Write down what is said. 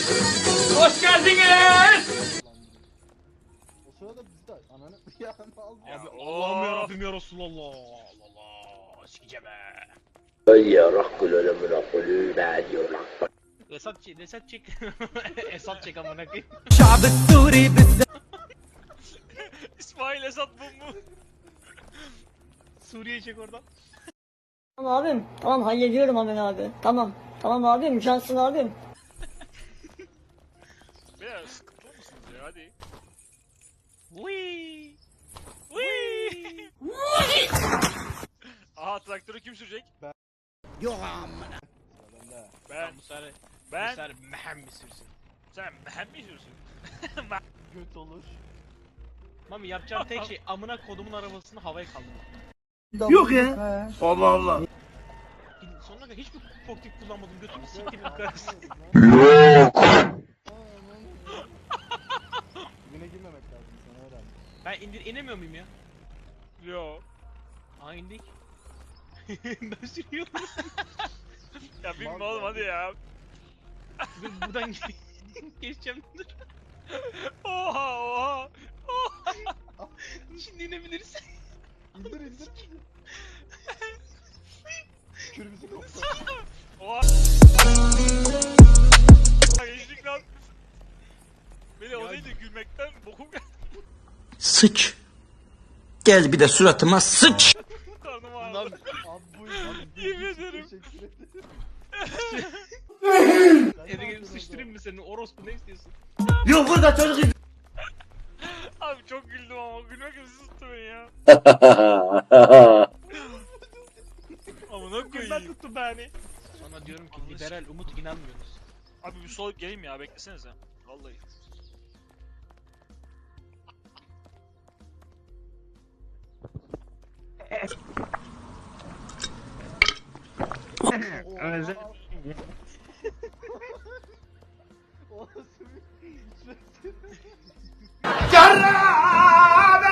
Hoş geldiniz. O sırada biz de ananı ya ne oldu? Abi Allah'ım yarabbim ya Resulallah. Allah sikeceğim he. Esat çek. Esat çek amına koyayım. İsmail Esat bu mu? Suriye çek oradan. Tamam abim. Tamam hallediyorum hemen abi. Tamam. Tamam abim. Cansın abim. Beyler sıkıntılı mısınız ya hadi. Wii. Wii. Aha traktörü kim sürecek? Yok amına. Ben. Bu Ben. Mehem mi sürsün? Sen mehem mi sürsün? göt olur. Mami yapacağın tek şey amına kodumun arabasını havaya kaldırmak. Yok ya. Allah Allah. Sonuna kadar hiçbir portif kullanmadım götümü siktirin karısı. Güne girmemek lazım sana öğrendim. Ben inemiyor muyum ya? Yo. Aa indik. Ben sürüyorum. Ya bilme oğlum hadi ya. Dur buradan geçeceğim dur. Oha oha. Oha. Şimdi inebiliriz. İndir. Kürümüzü koptu. Oha. Geçtik lan. Beni o neydi gülmekten bokum geldi. Sıç. Gel bir de suratıma sıç. Karnım ağrıdı. Abi buyurun. Yemin ederim. Teşekkür ederim. Eve gelip sıçtırayım mı seni? Orospu ne istiyorsun? Yok burada çocuk. Abi çok güldüm ama gülmek gibi tuttu beni ya. Amına koyayım. Ben tuttu beni. Sonra diyorum ki liberal umut inanmıyorsunuz. Abi bir sol geleyim ya beklesenize. Vallahi. Özel. O nasıl bir...